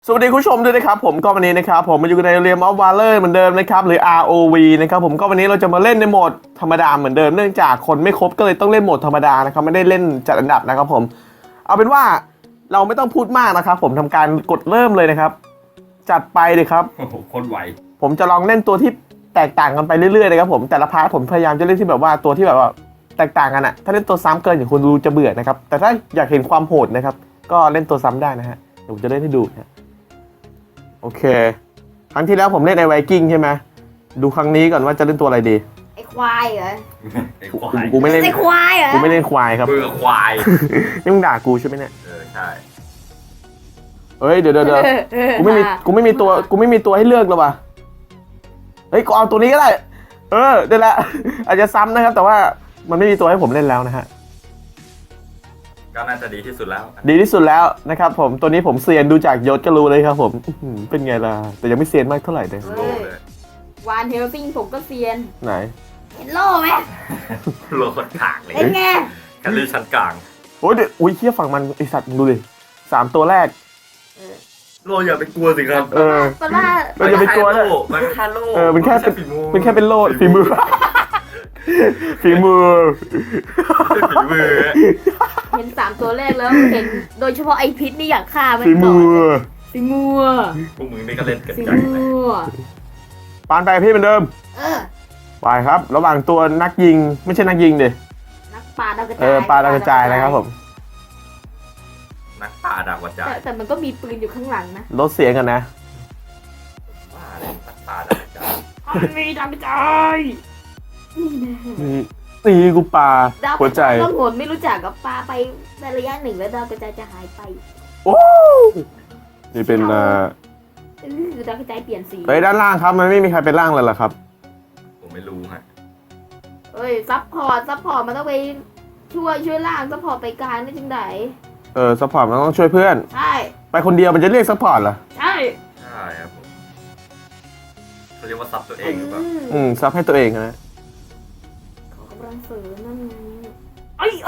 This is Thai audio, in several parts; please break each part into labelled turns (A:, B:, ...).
A: สวัสดีคุณผู้ชมด้วยนะครับผมก็วันนี้นะครับผมมาอยู่ในเรียมออฟวาเลอร์เหมือนเดิมนะครับหรือ ROV นะครับผมก็วันนี้เราจะมาเล่นในโหมดธรรมดาเหมือนเดิมเนื่องจากคนไม่ครบก็เลยต้องเล่นโหมดธรรมดานะครับไม่ได้เล่นจัดอันดับนะครับผมเอาเป็นว่าเราไม่ต้องพูดมากนะครับผมทำการกดเริ่มเลยนะครับจัดไปเลยครับ
B: โอ้โหคนไหว
A: ผมจะลองเล่นตัวที่แตกต่างกันไปเรื่อยๆนะครับผมแต่ละพาร์ทผมพยายามจะเล่นที่แบบว่าตัวที่แบบว่าแตกต่างกันอะถ้าเล่นตัวซ้ำเกินอย่างคุณดูจะเบื่อนะครับแต่ถ้าอยากเห็นความโหดนะครับก็เล่นตัวซ้ำได้นะฮะเดี๋ยวผมจะเล่นให้ดูนะโอเคครั้งที่แล้วผมเล่นไอ้ไวกิ้งใช่ไหมดูครั้งนี้ก่อนว่าจะเล่นตัวอะไรดี
C: ไอ้ควายเหรอ
B: ไอ้ควาย
A: กูไม่เล่น
C: ไอ้ควายเหรอ
A: กูไม่เล่นควายครับ
B: เบื่อควาย
A: นี่มึงด่ากูใช่ไหมเนี่ย
B: ใช่
A: เฮ้ยเดี๋ยวกูไม่มีตัวให้เลือกหรอวะเฮ้ยกูเอาตัวนี้ก็ได้เดี๋ยวละอาจจะซ้ำนะครับแต่ว่ามันไม่มีตัวให้ผมเล่นแล้วนะฮะ
B: ก็น่าจะดีที่สุดแล้ว
A: ดีที่สุดแล้วนะครับผมตัวนี้ผมเซียนดูจากยศก็รู้เลยครับผมเป็นไงล่ะแต่ยังไม่เซียนมากเท่าไหร่เลย
B: โลเลย
C: วานเฮลซิงผมก็เซียน
A: ไหน
C: เห็นโล่ไหม
B: โลคนขางเลย
C: เป็นไง
B: แคลรี่ชั้นกลาง
A: โอ้ยเดี๋ยวอุ้ยเชี่ยฝั่งมันไอสัตว์มึงดูดิ3 ตัวแรก
B: โลอย่าไปกลัวสิครับ
C: เพราะว่า
A: เราอย่าไปกลัวนะ
B: มันแค่โล
A: มันแค่
B: ฝีมือ
A: เป็นแค่เป็นโลดฝีมือ ฝีมือ
B: ฝีมือ
C: เห็น3 ตัวแรกแล้วเห็นโดยเฉพาะไอพิษนี่อยากฆ่ามัน
A: ฝี
C: ก่
A: มื
C: อน
A: อ
C: ฝีมือ
B: พวกมึงนี่ก็เล่นเกิน
C: ฝี
B: ใจ
C: มื
B: เลย
C: อ
A: ปานไปพี่เหมือนเดิม ไปครับ ระหว่างตัวนักยิงไม่ใช่นักยิงดิ
C: นักปลาดาวกระจาย
A: ปลาดาวกระจายนะครับผม
B: นักป่าดาวกระจาย
C: แต่มันก็มีปืนอยู่ข้างหลังนะ
A: ลดเสียงกันนะ
B: ว่าอะไรนักป่าดาวกระจาย
C: มันมีดาวกระจายนี่นะ
A: นี่กูปลา
C: ดาวก
A: หัว
C: ระ
A: ใจ
C: จายต้องโหนไม่รู้จักกับปลาไปในระยะหนึ่งแล้วดาวกระจายจะหายไป
A: โอ้นี่เป็น
C: ดาวกระจายเปลี่ยนสี
A: เฮ้ยด้านล่างครับมันไม่มีใครเป็นล่างเลยเหรอครับ
B: ผมไม่รู้ฮะ
C: เอ้ยซัพพอร์ตมันต้องไปช่วยล่างซัพพอร์ตไปกลางได้จังได
A: ซัพพอร์ตมันต้องช่วยเพื่อน
C: ใช่
A: ไปคนเดียวมันจะเรียกซัพพอร์ตเหรอ
C: ใช่
B: ใช่ครับผมเขาเรียกว่าซับตัวเองหรือเปล่า
A: ซับให้ตัวเองนะ
C: ขอกำลังเสริมนั่นไง
B: เอ้ย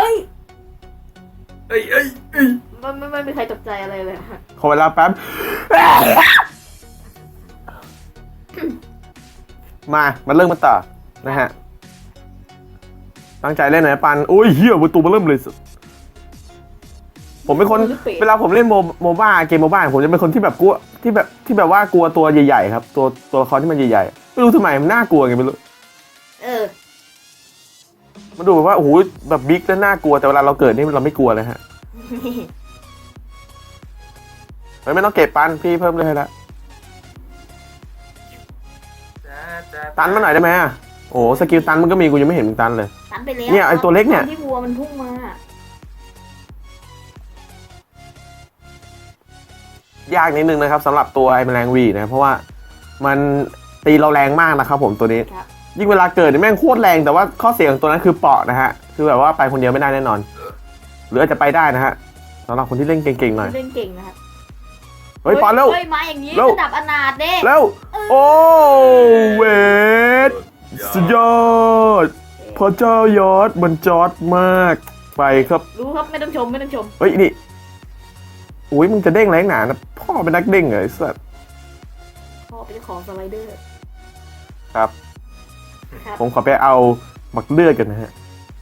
C: ไม่มีใครตกใจอะไรเลยฮะ
A: ขอเวลาแป๊บ มาเริ่มมาต่อนะฮะตั้งใจเล่นหน่อยนะปันโอ้ยเหี้ยประตูมาเริ่มเลยผมเป็นคนเวลาผมเล่นโมบ้าเกมโมบ้าผมจะเป็นคนที่แบบกลัวที่แบบว่ากลัวตัวใหญ่ๆครับตัวละครที่มันใหญ่ๆไม่รู้ทำไมมันน่ากลัวไงไม่รู้ มันดูแบบว่าโอ้โหแบบบิ๊กแล้วน่ากลัวแต่เวลาเราเกิดนี่เราไม่กลัวเลยฮะไม่ต้องเก็บปันพี่เพิ่มเลยให้ละตันมาหน่อยได้ไหมอ่ะโอ้สกิลตันมันก็มีกูยังไม่เห็นมึงตันเลย
C: ตันไปแล้ว
A: เนี่ยไอ้ตัวเล็กเนี่ย
C: ที่วัวมันพุ่งมาย
A: ากนิดนึงนะครับสำหรับตัวไอ้แมลงวีนะเพราะว่ามันตีเราแรงมากนะครับผมตัวนี้
C: ครับ
A: ยิ่งเวลาเกิดเนี่ยแม่งโคตรแรงแต่ว่าข้อเสียของตัวนั้นคือเปาะนะฮะคือแบบว่าไปคนเดียวไม่ได้แน่นอนหรืออาจจะไปได้นะฮะสำหรับคนที่เล่นเก่งๆหน่อย
C: เล่นเก่งนะครับ
A: เฮ้ยปอนเร็ว
C: เฮ้ยมาอย่างนี้
A: เร็ว
C: ระดับอนาถเด้
A: เร็วโอ้เวทสุดยอดพระเจ้ายอดมันจอดมากไปครับ
C: รู้ครับไม่ต้องชม
A: เฮ้ยนี่อุ้ยมึงจะเด้งแรงหนานะพ่อเป็นนักเด้งเหรอไอ้สัส
C: พ่อเป็นเจ้าของสไลเดอร์
A: ครับ
C: ครับ
A: ผมขอไปเอาหมักเลือดกันนะฮะ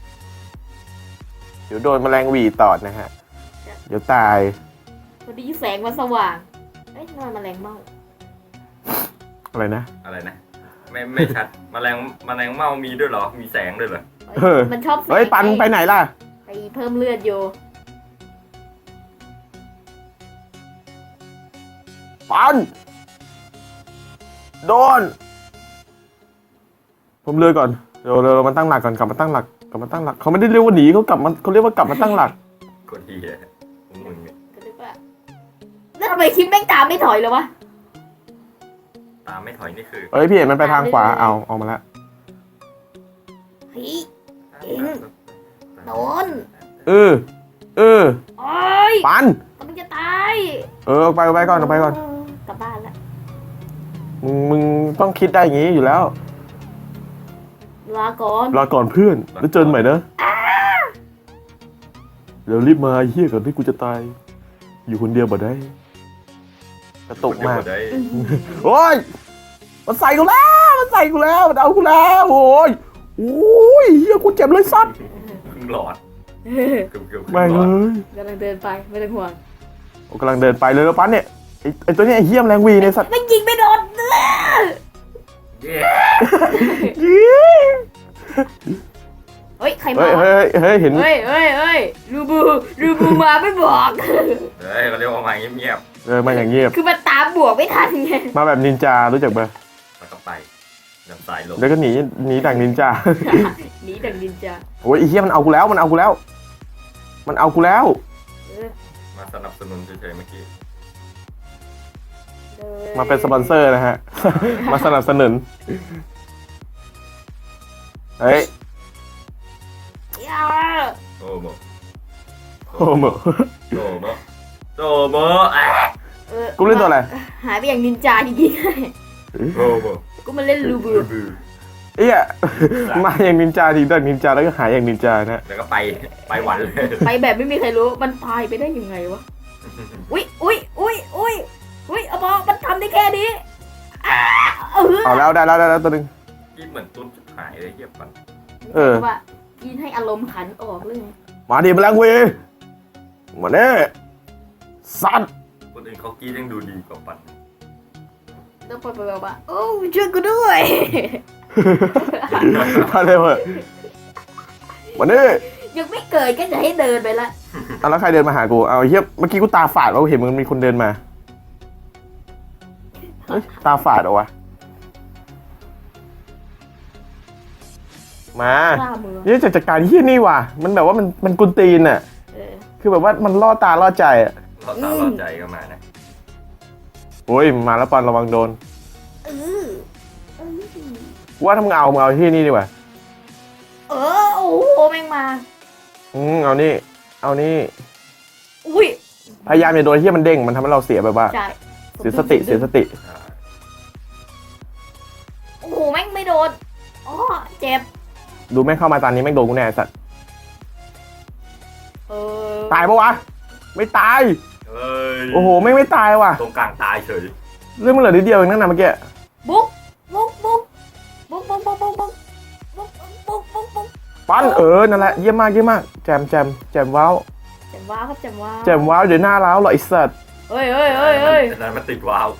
A: เดี๋ยวโดนแมลงหวีตอดนะฮะเดี๋ยวตาย
C: พอดีแสงมันสว่างเอ้ยนั่นมันแมลงเม่า
A: อะไรนะ
B: อะไรนะไม่ชัดแมลงเม่ามีด้วยเหรอมีแสงด้วยเหรอ
C: มันชอบแสง
A: เฮ้ยปันไปไหนล่ะ
C: ไปเพิ่มเลือดอยู่
A: ปันโดนผมเลือกก่อนเดี๋ยวเรามาตั้งหลักก่อนกลับมาตั้งหลักเขาไม่ได้เรียกว่าหนีเขาเรียกว่ากลับมาตั้งหลัก
B: คนที่พวกมึงเนี่ย
C: ก็นึกว่าแล้วทำไมคิดแม่งตามไม่ถอยเลยวะ
B: ตามไม่ถอยนี่คือ
A: เฮ้ยพี่เห็นมันไปทางขวาเอามาแล้ว
C: เฮ้ย โดน
A: เออ
C: โอ้ย
A: ปัน
C: กำลังจะตาย
A: เอาไปก่อน
C: กลับบ้านแล้ว
A: มึงต้องคิดได้อย่างงี้อยู่แล้ว
C: ลาก่อน
A: รอก่อนเพื่อนแล้วเจอกันใหม่นะเดี๋ยวรีบมาเฮี้ยก่อนที่กูจะตาย อยู่คนเดียวบ่ได้ไปกระตุกมาก
B: ได้
A: โอ้ยมันใส่กูแล้วมันเอากูแล้วโอ้ยโอ้ยเฮียกูเจ็บเลยสัตว์
B: ครึ่งหลอดเกือบ
A: แม่ง
B: หล
A: เล
B: อด
A: ย
C: กำลังเดินไปไม่ต้องห่วง
A: โอ้กำลังเดินไปเลยแล้วปั้นเนี่ยไอตัวเนี้ยไอเฮียมแรงวีเนี่ยสัตว์
C: ไม่ยิงไม่โดน
B: เย้
C: เฮ้ยใคร
A: เฮ้
C: มาย
A: เฮ้ยเห็น
C: เฮ้ยรูบูมาไม่บอก
B: เฮ้ยเขาเรียกว่ามาเงียบ
A: มาอย่างเงียบ
C: คือมันตามบวกไม่ทันไง
A: มาแบบนินจารู้จักปะ
B: ๆแล้วก็ไปดับสายลม
A: แล้วก็หนีดังนินจา
C: หนีดังดินจ้า
A: โอ้ยไอเฮียมันเอากูแล้วมันเอากูแล้ว
B: มาสนับสนุนเฉยๆเมื่อกี้
A: มาเป็นสปอนเซอร์นะฮ ะ มาสนับสนุนเฮ้ย
B: โอ้โห
A: โอ้โห
B: โตโมอ่ะ
A: กูเล่นตัวอะไร
C: หายไปอย่างนินจาจริง
B: โอ้โห
C: ๆกูมาเล่นรูบู
A: เอี้ยมาอย่างนินจาทีดังนินจาแล้วก็หายอย่างนินจานะ
B: แล้วก็ไปหวันเลย
C: ไปแบบไม่มีใครรู้มันพายไปได้ยังไงวะอุ้ยเอาบอกมันทำได้แค่นี้
A: เอาแล้วได้แล้วตัวหนึง
B: ที่เหมือนตุ้นจุดหายเลยเทียบกัน
C: ว่ากินให้อารมณ์ขันออกเลย
A: มาดิมาแรงเวมาเน่สัตว์
B: คนอื่นเขากี้ยังดูดีกว่าปัน
C: แล้วพอไปบอกว่าโอ้ช่วยกูด้วย
A: มาเร็วเหอะมาเน่
C: ยังไม่เกิดก็จะให้เดินไปละ
A: เอาแล้วใครเดินมาหากูเอาเฮียเมื่อกี้กูตาฝาดว่าเห็นมันมีคนเดินมาเฮ้ยตาฝาดเหรอวะมา
C: ข้ามือ
A: เนี่ยจัดการที่นี่ว่ะมันแบบว่ามันกุนตีนอ่ะ คือแบบว่ามันล่อตาล่อใจอ่ะ
B: เราตาเราใจก็มานะ
A: โอ้ยมาแล้วปอนระวังโดน
C: เออ
A: ว่าถ้ามึงเอาที่นี่ดีกว่า
C: โอ้โหแม่งมา
A: เอานี่
C: อุ้ย
A: พยายามอย่าโดนที่มันเด้งมันทำให้เราเสียแบบว่า
C: ใช่
A: เสียสติ
B: อ่า
C: โอ้โหแม่งไม่โดนอ๋อเจ็บ
A: ดูแม่งเข้ามาตอนนี้แม่งโดนกูแน่ไอ้สัตว์
C: ตา
A: ตายปะวะไม่ตาย
B: เอ้ย
A: โอ้โหไม่ตายว่ะ
B: ตรงกลางตายเฉย
A: เรื่องมันเหลือนิดเดียวเองนั่นนะเมื่อกี้
C: บุ๊ก
A: ปั้นนั่นแหละเยี่ยมมากแจมว้าว
C: แจมว้าวครับแจมว้าว
A: แจมว้าวเดี๋ยวหน้าร้าวเหรอไอ้สัตว์
C: เฮ้ย
B: แต่นั้นมันติดวาว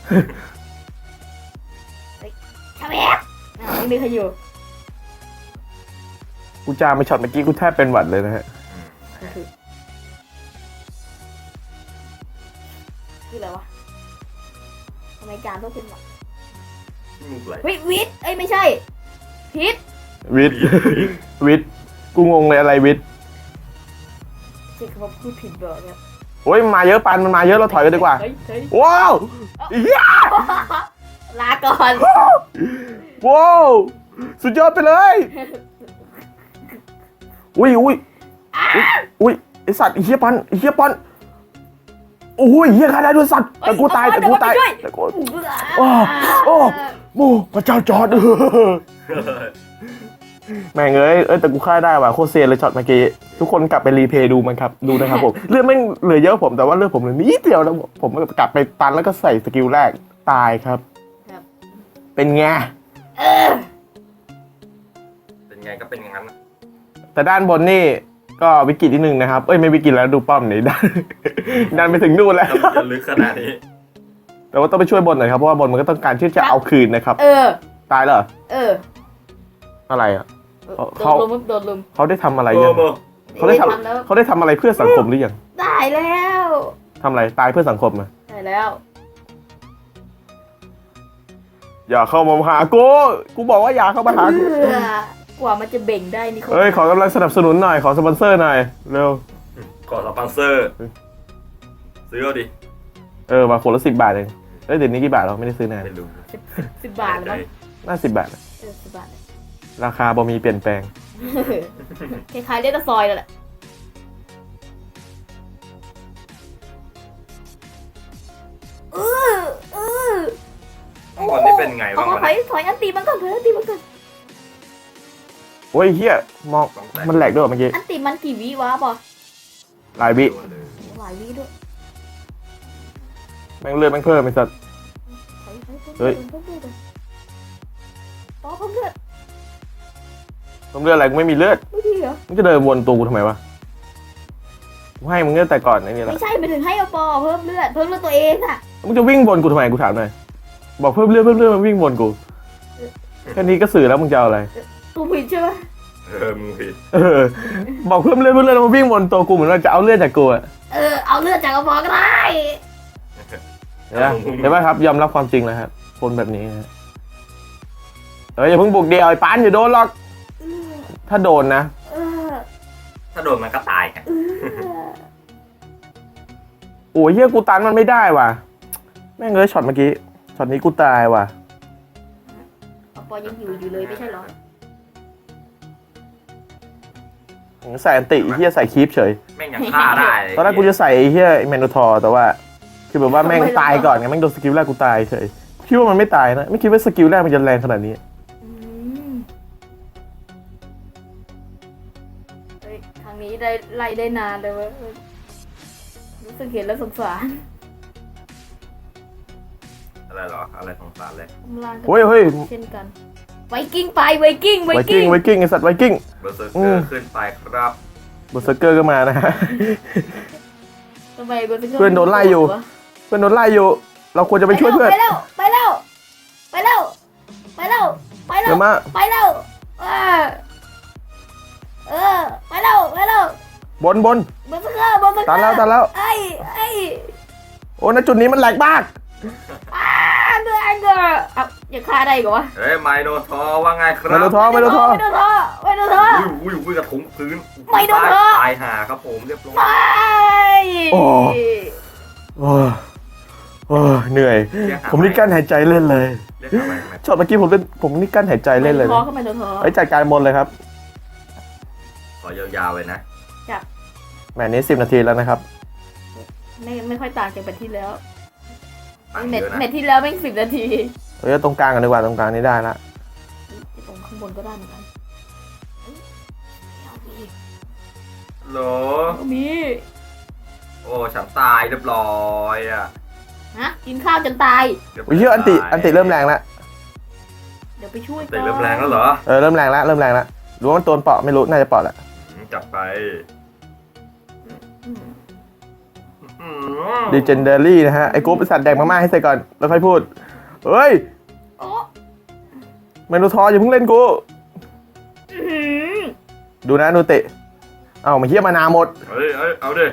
C: ทำไมอ่ะไม่มีใครอยู่
A: กูจามไปช็อตเมื่อกี้กูแทบเป็นหวัดเลยนะฮะ
C: คืออะไรวะทำไมจานต้องเป็นหวัด
B: ที่มุกไหล
C: เฮ้ยวิทย์ไม่ใช่พิษ
A: วิทย์กูงงเลยอะไรวิทย์
C: ใช่คำว่าพูดผิดเบอร์เนี่ย
A: โอ้ยมันมาเยอะปันมันมาเยอะเราถอยกันดีกว่า
C: เฮ้ย
A: ว้าวเฮีย
C: ลาก่อน
A: ว้าวสุดยอดไปเลยอุ้ยไอสัตว์ไอเฮียปันโอ้ยเฮียใครได้ด้วยสัตว์แต่กูตายแต่กูโอ้โมพระเจ้าจอร์ดแม่งเอ้ยแต่กูฆ่าได้ว่ะโคตรเซียนเลยช็อตเมื่อกี้ทุกคนกลับไปรีเพย์ดูมันครับดูนะครับผมเลือดไม่เหลือเยอะผมแต่ว่าเลือดผมเหลือนิดเดียวแล้วผมกลับไปตันแล้วก็ใส่สกิลแรกตายครับเป็นไง
B: เป็นไงก็เป็นอย่างนั้น
A: แต่ด้านบนนี่ก็วิกฤตนิดนึงนะครับไม่วิกฤตแล้วดูป้อมนี่ดันไปถึงนู่นแล้ว
B: ต้องจะลึกขนาดนี้
A: แต่ว่าต้องไปช่วยบนหน่อยครับเพราะว่าบนมันก็ต้องการที่จะเอาคืนนะครับตายเหรออะไรอ่ะ
C: โดนลุม
A: เขาได้ทำอะไร
B: โอ้
A: ยัง
B: โห
A: เขาได้ทำอะไรเพื่อสังคมหรือยัง
C: ได้แล้ว
A: ทำอะไรตายเพื่อสังคมอ่ะ
C: ได้แล้ว
A: อย่าเข้ามาหากูบอกว่าอย่าเข้ามาหากู
C: กว่ามันจะเบ่งได้นี่
A: เอ้ยขอกำลังสนับสนุนหน่อยขอสปอนเซอร์หน่อยเร็ว
B: ขอสปอนเซอร์ซื้อเอาดิ
A: มาคนละ10 บาทเองเดี๋ยวนี้กี่บาทเราไม่ได้ซื้อนาน
B: ไม่รู้
C: 10 บาทแล้วมั้ง
A: น่า10 บาท
C: 10 บาท
A: ราคาบ่มีเปลี่ยนแปลง
C: คล้ายๆเล่นซอยเลยแหละ
B: คนนี้เป็นไงบ้างวะ
C: ถอยอันตีมันก่อน
A: โอ้ยเฮียมองมันแหลกด้วยเมื่อกี้
C: อันตีมันกี่วิวะบอ
A: หลายวิ
C: หลายวิด้วย
A: แม่งเลือดแม่งเพิ่มไอ้สัตว์ เฮ้ย
C: ปอเพิ่มเลือด
A: ต้องเลือดอะไรกูไม่มีเลือด
C: ไม่ดีเหรอ
A: มึงจะเดินวนตัวกูทำไมวะกูให้มึงเลือดแต่ก่อนไอ้นี่แหละ
C: ไม่ใช่ไปถึงให้ปอเพิ่มเลือดตัวเองอะ
A: มึงจะวิ่งวนกูทำไมกูถามหน่อยบอกเพิ่มเลือดมันวิ่งวนกูแค่นี้ก็สื่อแล้วมึงจะเอาอะไร
C: ตัวผิดใช่ไหม
B: มึงผิด
A: บอกเพิ่มเลือดแล้วมาวิ่งวนตัวกูเหมือนว่าจะเอาเลือดจากกูอะ
C: เอาเลือดจากปอก็ได้
A: เห็นไหมครับยอมรับความจริงแล้วครับคนแบบนี้นะอย่าเพิ่งบุกเดียวไอ้ปานอย่าโดนหรอกถ้าโดนนะ
C: เออ
B: ถ้าโดนมันก็ตายไง
A: โอ้ยเฮียกูตันมันไม่ได้ว่ะแม่งเลยช็อตเมื่อกี้ช็อตนี้กูตายว่ะ
C: ปอยังอยู่เลยไม่ใช่เหรอ
A: ใส่อันติเฮียใส่คีปเฉย
B: แม่งยังฆ่าได้เลย
A: ตอนแรกกูจะใส่เฮียแมนโนทอร์แต่ว่าคือแบบว่าแม่งตายก่อนไงแม่งโดนสกิลแรกกูตายเฉยคิดว่ามันไม่ตายนะไม่คิดว่าสกิลแรกมันจะแรงขนาดนี้
C: เฮ้ยทางนี้ได้ไล่ได้นานเลยเว้ยรู้สึกเห็นแล้วสงสาร
B: อะไรเหรออะไรสงสารเลย
A: เฮ้ย
C: เช่นกันไวกิ้งไปไวกิ้ง
A: ไวกิ้งไอสัตว์ไวกิ้ง
B: เบอร์เซอร์เกอร์ขึ้นไปครับ
A: เบอร์เซอร์เกอร์ก็มานะฮะ
C: ทำไมเบอร์เซอร์เกอร์
A: เพื่อนโดนไล่อยู่ เพื่อนโดนไล่อยู่เราควรจะไปช่วยเพื่อน
C: ไปแล้วไปแล้วไปแล้วไปแล้วไปแล้ว
A: เดี๋ยวมา
C: ไปแล้วไปแล้วไปแล้ว
A: บน
C: เบอร์เซอร์เกอร์
A: ตันแล้ว
C: ไอ้
A: โอ้ณจุดนี้มันแหลกมาก
C: เดือดอย่าฆ่าได้ก่อนวะ
B: เฮ้ยไมโนทอว่าไงครับ
A: ไมโนทอร์
C: ไม่โดนท้อ
B: อุ้ยกระถุงพื้น
C: ไม่โดนเถอะ
B: ตายหาครับผมเรียบร้อย
C: ไป
A: โอ้เหนื่อย ผมนี่กั้นหายใจเล่นเลย
B: เรียกทำไม
A: ช็อตเมื่อกี้ผมนี่กั้นหายใจเล่นเลย
C: ท้อ
A: นะ
C: เข้ามาโดนท้อ
A: ไว้จัดการบนเลยครับ
B: ขอยาวๆเลยนะ
A: แหมนี้10 นาทีแล้วนะครับ
C: ไม่ค่อยต่างจากแมตช์ที่แล้ว
B: ตั้ง
C: แม
B: เย
C: ต
B: อะ
C: ช์
B: นะ
C: แมตช์ที่แล้วแม่ง10 นาที
A: เฮ้ยตรงกลางกันดีกว่าตรงกลางนี้ได้ละ
C: ตรงข้างบนก็ได้เหมือนกัน
B: โหล
C: มี
B: โอ้ฉันตายเรียบร้อยอ่ะ
C: กินข้าวจนตาย
A: โอ้ยเฮียอันติเริ่มแรงแล้ว
C: เดี๋ยวไปช่วย
B: ติเริ่มแรงแล้วเหรอ
A: เริ่มแรงแล้วรู้ว่ามันตัวเปาะไม่รู้น่าจะเปาะแหละ
B: จับไป
A: ดีเจนเดอรี่นะฮะไอ้กูไปสัตว์แดกมาม่าให้ใส่ก่อนแล้วค่อยพูดเฮ้ย
C: โอ้
A: เมนูทออย่าเพิ่งเล่นกูดูนะนูเตะมาเฮียมานาหมด
B: เฮ้ยเอาดิ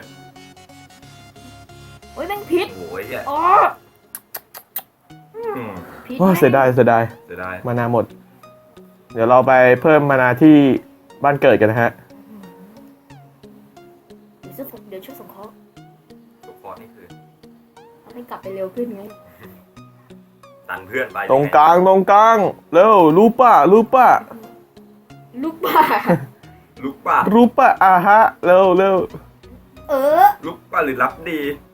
C: โอ้ยแม่งพิษ
B: โอ้ยเนี่ย
C: อ๋อพิษ
A: ว้าเสียดาย
B: จะได้
A: มานาหมด เดี๋ยวเราไปเพิ่มมานาที่บ้านเกิดกันนะฮะ
C: เดี๋ยวช่วยส่งเขา
B: ทุกคนนี่คือ
C: ทำให้กลับไปเร็วขึ้นไง
B: ตันเพื่อนไป
A: ตรงกลางเร็วรู้ป่ะ
C: ลูกบ้า
B: ลุกป่ะ
A: รู้ป่ะฮะเร็ว
B: ลุกป่ะหรือรับดี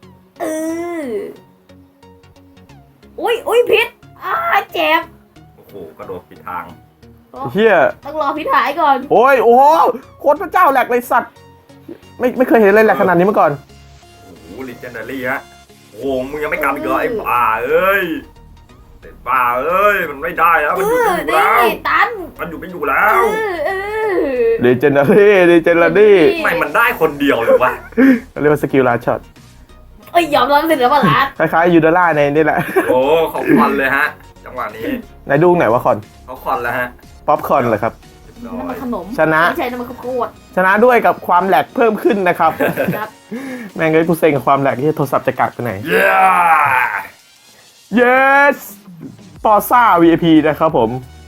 C: อุ้ยพิษเจ็บ
B: โอ้โหกระโดดผิดทาง
A: เฮีย
C: ต้องรอพิษหายก่อน
A: โอ้โหโคตรพระเจ้าแหลกเลยสัตว์ไม่เคยเห็นอะไรแหลกขนาดนี้มาก่อน
B: โอ้โหลิเจนเดอรี่ฮะโอ้โหมึงยังไม่กลับอีกเหรอไอ้บ้าเอ้ยมันไม่ได้แล้วมันอยู่ไปอยู่แล้ว
C: ตัน
B: มันอยู่ไปอยู่แล้ว
A: ดีเจนเดอรี่
B: ทำไมมันได้คนเดียวเลยวะ
A: เรียกว่าสกิลลาช็อต
C: ยอมรับสิเหลือมาล้าน
A: คล้ายๆยูดาร่าในนี่แหละ
B: โอ้เขาคอนเลยฮะจังหวะนี้
A: ไหนดูไหนว่าคอน
B: เขาคอนแล้วฮะ
A: ป๊อปคอนเหรอครับ
C: น้ำมันขนม
A: ชนะ
C: ไม่ใช่น้ำมันข้าวโพด
A: ชนะด้วยกับความแหลกเพิ่มขึ้นนะครับ
C: ครับ
A: แม่งเลยกูเซ็งกับความแหลกที่โทรศัพท์จะกัดไปไหน
B: เย้
A: yes ปอซ่า VIP นะครับผม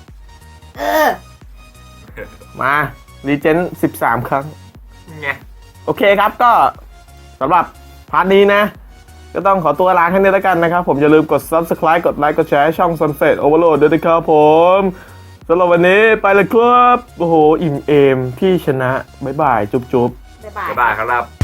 A: มารีเจน13 ครั้ง
B: ไง
A: โอเคครับก็สำหรับพาร์ทนี้นะ ก็ต้องขอตัวลาแค่นี้แล้วกันนะครับ ผมอย่าลืมกด Subscribe กดไลค์กดแชร์ช่อง Sunset Overload ด้วยนะครับผมสำหรับวันนี้ไปเลยครับ โอ้โห อิ่มเอมพี่ชนะ บ๊ายบาย จุ๊บ
C: บ๊ายบาย
B: บ๊ายบายครับ